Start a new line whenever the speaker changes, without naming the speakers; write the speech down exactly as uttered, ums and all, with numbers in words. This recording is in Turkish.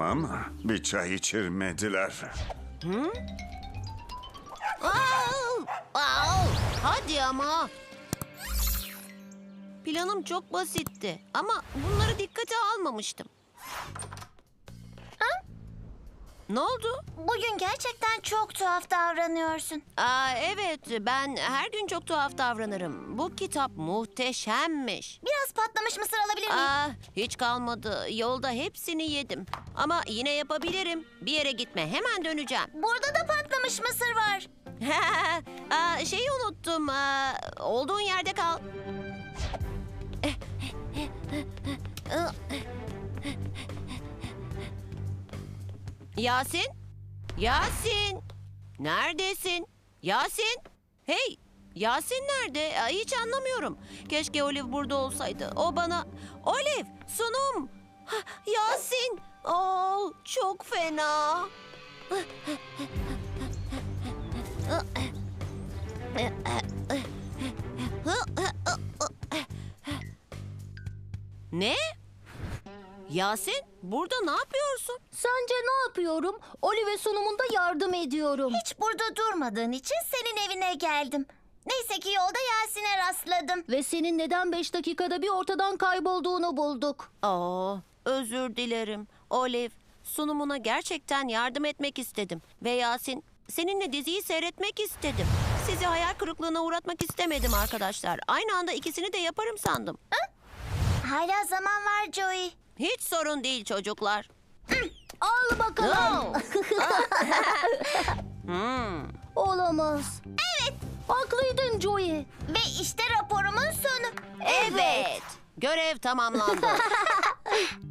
Ama bir çay içirmediler.
Au! Au! Hadi ama. Planım çok basitti ama bunları dikkate almamıştım.
Ha?
Ne oldu?
Bugün gerçekten çok tuhaf davranıyorsun.
Aa, evet, ben her gün çok tuhaf davranırım. Bu kitap muhteşemmiş.
Biraz patlamış mısır alabilir miyim?
Aa, hiç kalmadı. Yolda hepsini yedim. Ama yine yapabilirim. Bir yere gitme, hemen döneceğim.
Burada da patlamış mısır var.
Aa, şeyi unuttum. Aa, olduğun yerde kal. Yasin? Yasin? Neredesin? Yasin? Hey! Yasin nerede? Aa, hiç anlamıyorum. Keşke Olive burada olsaydı. O bana... Olive! Sunum! Hah, Yasin! Oo, çok fena. Ne? Yasin, burada ne yapıyorsun?
Sence ne yapıyorum? Olive sunumunda yardım ediyorum.
Hiç burada durmadığın için senin evine geldim. Neyse ki yolda Yasin'e rastladım.
Ve senin neden beş dakikada bir ortadan kaybolduğunu bulduk.
Aa, özür dilerim. Olive, sunumuna gerçekten yardım etmek istedim. Ve Yasin, seninle diziyi seyretmek istedim. Sizi hayal kırıklığına uğratmak istemedim arkadaşlar. Aynı anda ikisini de yaparım sandım.
Hala zaman var Joey.
Hiç sorun değil çocuklar.
Al bakalım.
Hmm.
Olamaz. Evet. Haklıydın Joey.
Ve işte raporumun sonu.
Evet. Görev tamamlandı.